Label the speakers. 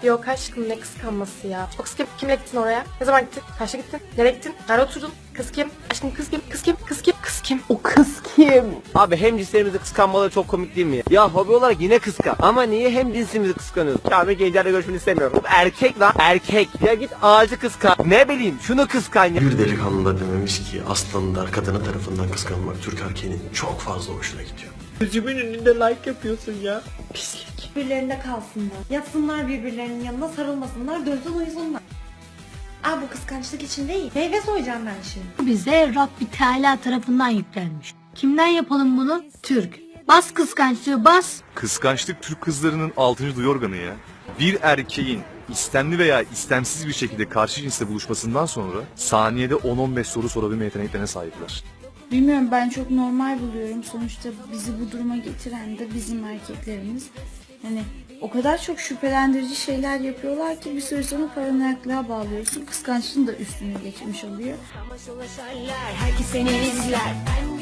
Speaker 1: Yok aşkım ne kıskanması ya. O kız kim? Kimle gittin oraya? Ne zaman gittin? Kaçta gittin? Nereye gittin? Nerede oturdun? Kız kim? Aşkım kız kim? Kız kim? Kız kim? Kız kim?
Speaker 2: O kız kim?
Speaker 3: Abi hem cinslerimizi kıskanmaları çok komik değil mi ya? Ya hobi olarak yine kıskan. Ama niye hem cinsimizi kıskanıyoruz? Ya ben gençlerle görüşmeni istemiyorum. Erkek lan erkek. Ya git ağacı kıskan. Ne bileyim şunu kıskan ya.
Speaker 4: Bir delikanlı da dememiş ki aslanlar kadını tarafından kıskanmak Türk erkeğinin çok fazla hoşuna gidiyor.
Speaker 3: Gözümün önünde like yapıyorsun ya.
Speaker 1: Pislik.
Speaker 5: Birbirlerinde kalsınlar. Yatsınlar birbirlerinin yanına, sarılmasınlar, dönsün uyusunlar. Aa, bu kıskançlık için değil. Meyve soyacağım ben şimdi.
Speaker 6: Bize Rabbi Teala tarafından yüklenmiş. Kimden yapalım bunu? Türk. Bas kıskançlığı bas.
Speaker 7: Kıskançlık Türk kızlarının 6. duyu organı ya. Bir erkeğin istemli veya istemsiz bir şekilde karşı cinsle buluşmasından sonra saniyede 10-15 soru sorabilme yeteneklerine sahipler.
Speaker 8: Bilmiyorum, ben çok normal buluyorum. Sonuçta bizi bu duruma getiren de bizim erkeklerimiz. Hani o kadar çok şüphelendirici şeyler yapıyorlar ki bir süre sonra paranoyaklığa bağlıyorsun. Kıskançlığın da üstüne geçmiş oluyor.
Speaker 9: Herkes seni izler.